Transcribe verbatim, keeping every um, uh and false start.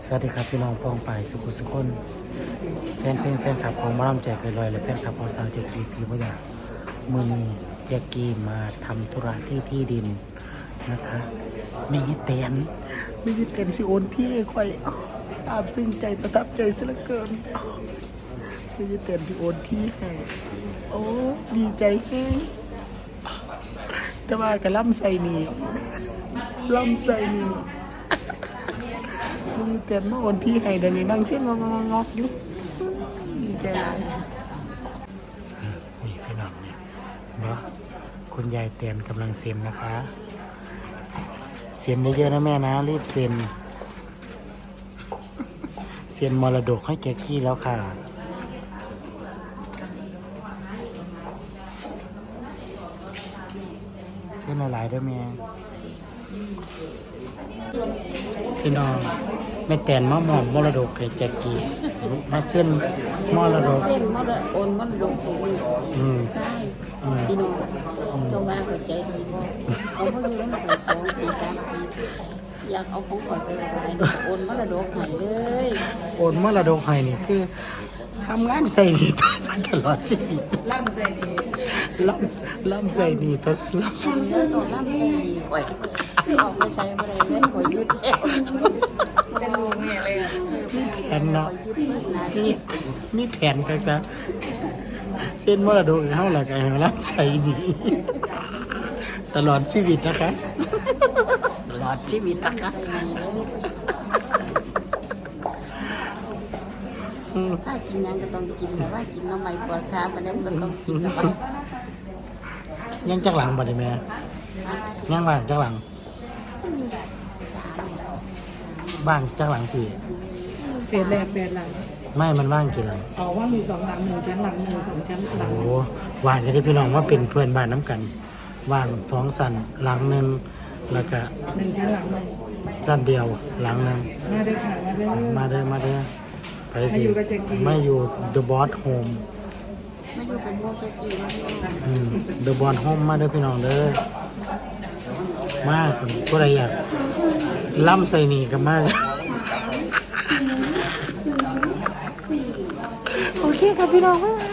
สวัสดีครับพี่น้องพ้องไปสุขุสุขคนแฟนเพลงแฟนคลับของมาล่ำแจกลอยและแฟนคลับของสาวแจ็กกี้พี่พยามือนี้แจ็กกี้มาทำธุระที่ที่ดินนะคะไม่ยึดเต็นไม่ยึดเต็นสิโอนที่ค่อยทราบซึ้งใจประทับใจเสียเหลือเกินไม่ยึดเต็นที่โอนที่ให้โอ้ดีใจแค่แต่ว่ากับล่ำใส่นี่ล่ำใส่นี่มีเต็นมาโอนที่ให้เดี๋ยวนี้นั่งเช่นงงงอกอยู่ดีใจเลยนี่พี่น้องเนี่ยเนาะคุณยายเต็นกำลังเซ็นนะคะเซ็นเยอะๆนะแม่นะรีบเซ็นเซ็นมรดกให้แกกี้แล้วค่ะเส้นหลายๆด้วยแม่พี่น้องแม่แตนมามอบมรดกให้แจ็กกี้มาเส้นมรดกเส้นมรดกโอนมรดกให้ลูกอืมใช่พี่น้องเจ้าว่าหัวใจดีบ่เอามาอยู่ตั้งแต่สองปีสามปีอยากเอาของขวัญไปหลายโอนมรดกให้เลยโอนมรดกให้นี่คือทำงานใส่หนี้ต่อไปตลอดชีวิตล่ำใส่ดีล่ำล่ำใส่หนี้ตลอดล่ำใส่เงินตัวล่ำใส่ดีข่อยที่ออกไปใช้บ่ได้เงินข่อยยึดแอวเป็นลูกแม่เลยอ่ะมีแผนเนาะยึดเบิดหน้ามีมีแผนก็จะเส้นมรดกให้เฮาล่ะก็ให้ล่ำใส่หนี้ตลอดชีวิตนะคะตลอดชีวิตนะคะอืมถ้ากินยังก็ต้องกินแต่ว่ากินน้ำใหม่ปวดขาปานนั้นก็ต้องกินแล้วยังจักหลังบ่ได้แม่ยังว่างจักหลังสามบ้างจักหลังพี่เศษแรกแปดหลังไม่มันว่างกี่หลังเอาว่ามีสองหลังหนึ่งชั้นหลังหนึ่งสองชั้นหลังโอ้ว่างกันที่พี่น้องว่าเป็นเพื่อนบ้านน้ำกันว่างสองสันหลังหนึ่งแล้วก็หนึ่งชั้นหลังหนึ่งสันเดียวหลังหนึ่งมาได้ค่ะมาได้มาเด้อมาเด้อไปสิมาอยู่กับแจ็คกี้ไม่อยู่ The Boss Home ไม่อยู่เป็นพวกเจ๊กี้นะพี่น้องอืม The Boss Home มาเด้อพี่น้องเด้อมาผู้ใดอยากล่ำใส่หนีกันมากโอเคครับพี่น้อง